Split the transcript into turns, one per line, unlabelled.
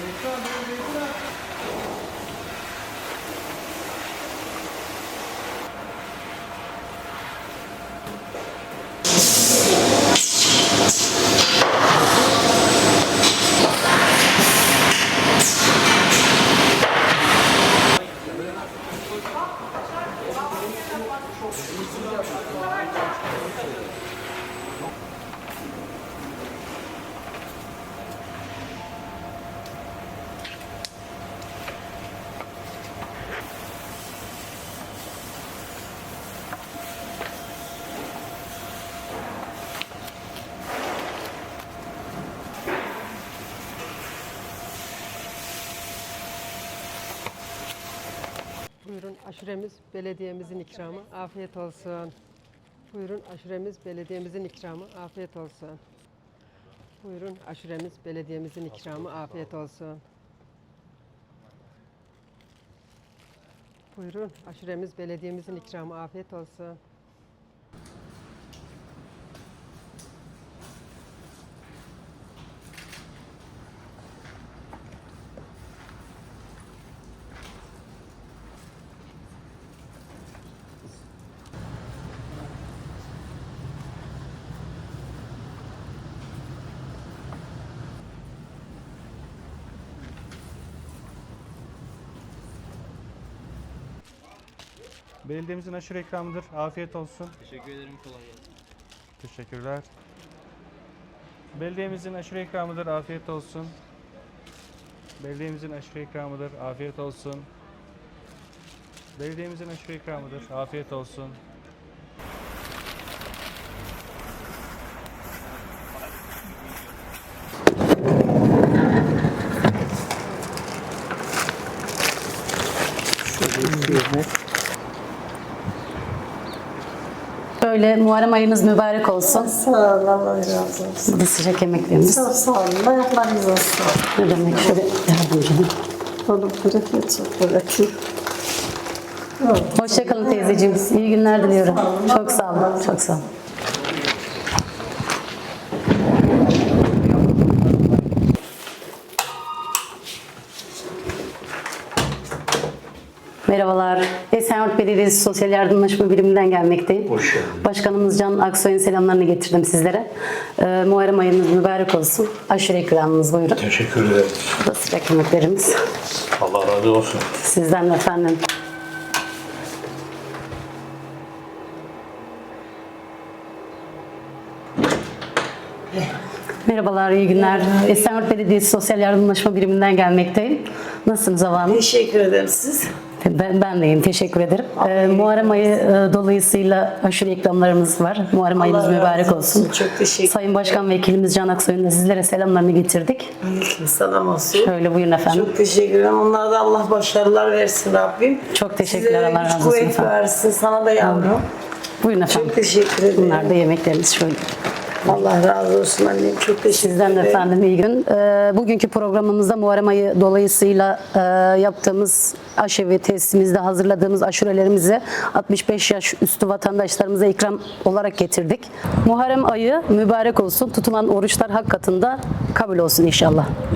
Buyurun, aşuremiz belediyemizin ikramı. Afiyet olsun. Buyurun, aşuremiz belediyemizin ikramı. Afiyet olsun. Buyurun, aşuremiz belediyemizin ikramı. Afiyet olsun. Buyurun, aşuremiz belediyemizin ikramı. Afiyet olsun.
Belediyemizin aşure ikramıdır. Afiyet olsun.
Teşekkür ederim. Kolay gelsin.
Teşekkürler. Belediyemizin aşure ikramıdır. Afiyet olsun. Belediyemizin aşure ikramıdır. Afiyet olsun. Belediyemizin aşure ikramıdır. Afiyet olsun.
Böyle Muharrem ayınız mübarek olsun.
Sağ olun, Allah razı olsun.
Bu da sıcak yemeklerimiz.
Çok sağ olun, ayaklarınız olsun.
Ne demek? Şöyle yardımcı.
Oğlum bırakıyor, çok bırakıyor.
Hoşçakalın teyzeciğim. İyi günler diliyorum. Çok sağ olun. Çok sağ olun. Merhabalar. Esenyurt Belediyesi Sosyal Yardımlaşma Biriminden gelmekteyim.
Hoş geldin.
Başkanımız Can Aksoy'un selamlarını getirdim sizlere. Muharrem ayınız mübarek olsun. Aşure ikramınız buyurun.
Teşekkür ederim.
Bu da sıcak yemeklerimiz.
Allah razı olsun.
Sizden de efendim. Merhabalar, iyi günler. Esenyurt Belediyesi Sosyal Yardımlaşma Biriminden gelmekteyim. Nasılsınız Hava Hanım?
Teşekkür ederim siz.
Ben de iyiyim, teşekkür ederim. Muharrem ayı dolayısıyla aşure ikramlarımız var. Muharrem ayınız
Allah
mübarek
razı
olsun.
Çok teşekkür
Sayın Başkan Vekilimiz Can Aksoy'un da sizlere selamlarını getirdik.
ederim. Selam olsun.
Şöyle buyurun efendim.
Çok teşekkür ederim. Onlara da Allah başarılar versin Rabbim.
Çok teşekkürler,
Sizlere
Allah
güç
razı olsun
kuvvet
efendim.
versin. Sana da yavrum.
Buyurun efendim.
Çok teşekkür ederim.
Bunlar da yemeklerimiz şöyle.
Allah razı olsun annem. Çok teşekkür
Sizden de
ederim.
efendim iyi gün. Bugünkü programımızda Muharrem ayı dolayısıyla yaptığımız aşevi testimizde hazırladığımız aşurelerimizi 65 yaş üstü vatandaşlarımıza ikram olarak getirdik. Muharrem ayı mübarek olsun. Tutulan oruçlar hak katında kabul olsun inşallah.